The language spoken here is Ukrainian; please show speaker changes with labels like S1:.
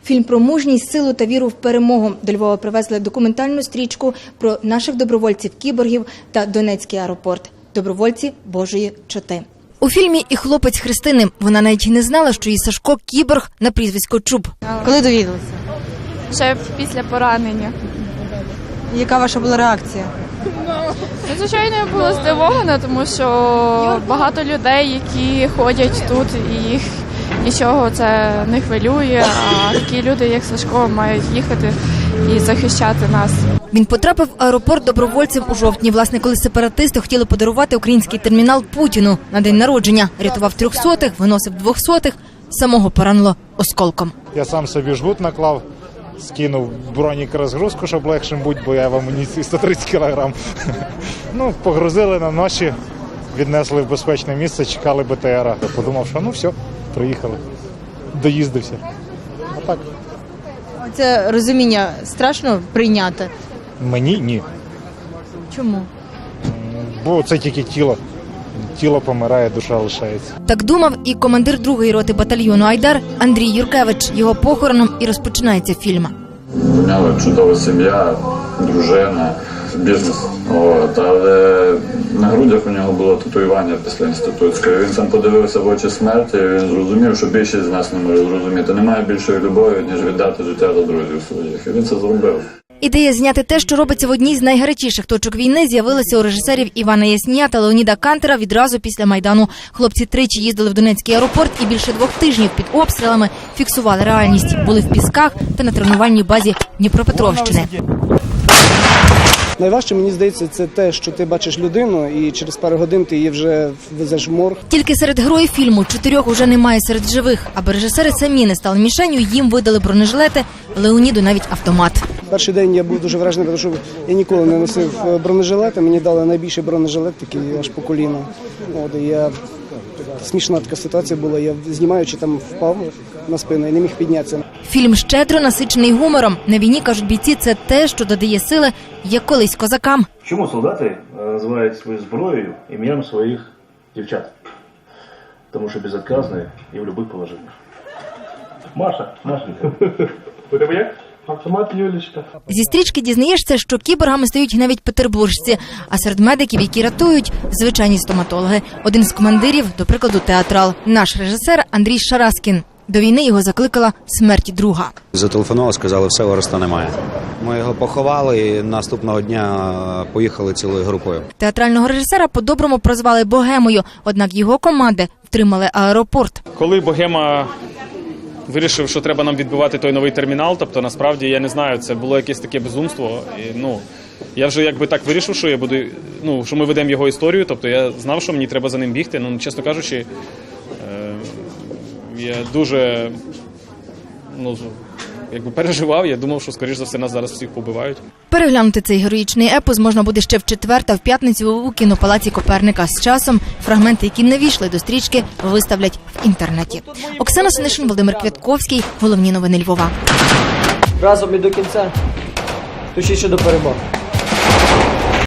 S1: Фільм про мужність, силу та віру в перемогу. До Львова привезли документальну стрічку про наших добровольців-кіборгів та Донецький аеропорт. Добровольці Божої чоти. У фільмі і хлопець Христини. Вона навіть не знала, що її Сашко – кіборг на прізвисько Чуб.
S2: Коли довідалися?
S3: Ще після поранення.
S2: Яка ваша була реакція?
S3: Звичайно, я була здивована, тому що багато людей, які ходять тут, і їх нічого це не хвилює, а такі люди, як Сашко, мають їхати і захищати нас.
S1: Він потрапив в аеропорт добровольцем у жовтні. Власне, коли сепаратисти хотіли подарувати український термінал Путіну на день народження. Рятував 300-х, виносив 200-х, самого поранило осколком.
S4: Я сам собі жгут наклав, скинув бронік-розгрузку, щоб легшим бути, бо я в амуніції 130 кг. Ну, погрузили на ночі, віднесли в безпечне місце, чекали БТРа. Я подумав, що ну все, приїхали, доїздився. А так.
S2: Це розуміння страшно прийняти?
S4: Мені ні,
S2: Чому?
S4: бо це тільки тіло. Тіло помирає, душа лишається.
S1: Так думав і командир 2-ї роти батальйону «Айдар» Андрій Юркевич. Його похороном і розпочинається фільм.
S5: У нього чудова сім'я, дружина, бізнес. Але на грудях у нього було татуювання після інститутської. Він сам подивився в очі смерті, і він зрозумів, що більшість з нас не може зрозуміти. Немає більшої любові, ніж віддати життя за друзів своїх. І він це зробив.
S1: Ідея зняти те, що робиться в одній з найгарячіших точок війни, з'явилася у режисерів Івана Яснія та Леоніда Кантера відразу після Майдану. Хлопці тричі їздили в Донецький аеропорт і більше 2 тижнів під обстрілами фіксували реальність. Були в Пісках та на тренувальній базі Дніпропетровщини.
S6: Найважче, мені здається, це те, що ти бачиш людину і через пару годин ти її вже везеш в морг.
S1: Тільки серед героїв фільму 4 уже немає серед живих. Аби режисери самі не стали мішенью, їм видали бронежилети, Леоніду навіть автомат.
S6: Перший день я був дуже вражений, тому що я ніколи не носив бронежилети. Мені дали найбільший бронежилет, такий аж по коліно. Смішна така ситуація була. Я, знімаючи, там впав на спину і не міг піднятися.
S1: Фільм щедро насичений гумором. На війні, кажуть бійці, це те, що додає сили, як колись козакам.
S7: Чому солдати називають свою зброєю ім'ям своїх дівчат? Тому що безотказні і в будь-яких положеннях. Маша, Машенька. У тебе як? Автомат Юлічка.
S1: Зі стрічки дізнаєшся, що кіборгами стають навіть петербуржці, а серед медиків, які рятують, звичайні стоматологи. Один з командирів, до прикладу, театрал. Наш режисер Андрій Шараскін. До війни його закликала смерть друга.
S8: Зателефонували, сказали, все, Ореста немає. Ми його поховали і наступного дня поїхали цілою групою.
S1: Театрального режисера по-доброму прозвали Богемою, однак його команди втримали аеропорт.
S9: Коли Богема вирішив, що треба нам відбивати той новий термінал, тобто насправді, я не знаю, це було якесь таке безумство. І, я вже якби так вирішив, що я буду, що ми ведемо його історію, тобто я знав, що мені треба за ним бігти. Чесно кажучи, я дуже переживав, я думав, що, скоріш за все, нас зараз всіх побивають.
S1: Переглянути цей героїчний епос можна буде ще в четвер та в п'ятницю у кінопалаці Коперника. З часом фрагменти, які не війшли до стрічки, виставлять в інтернеті. Оксана Синишин, Володимир Квятковський. Головні новини Львова.
S10: Разом і до кінця. Точніше до перемоги.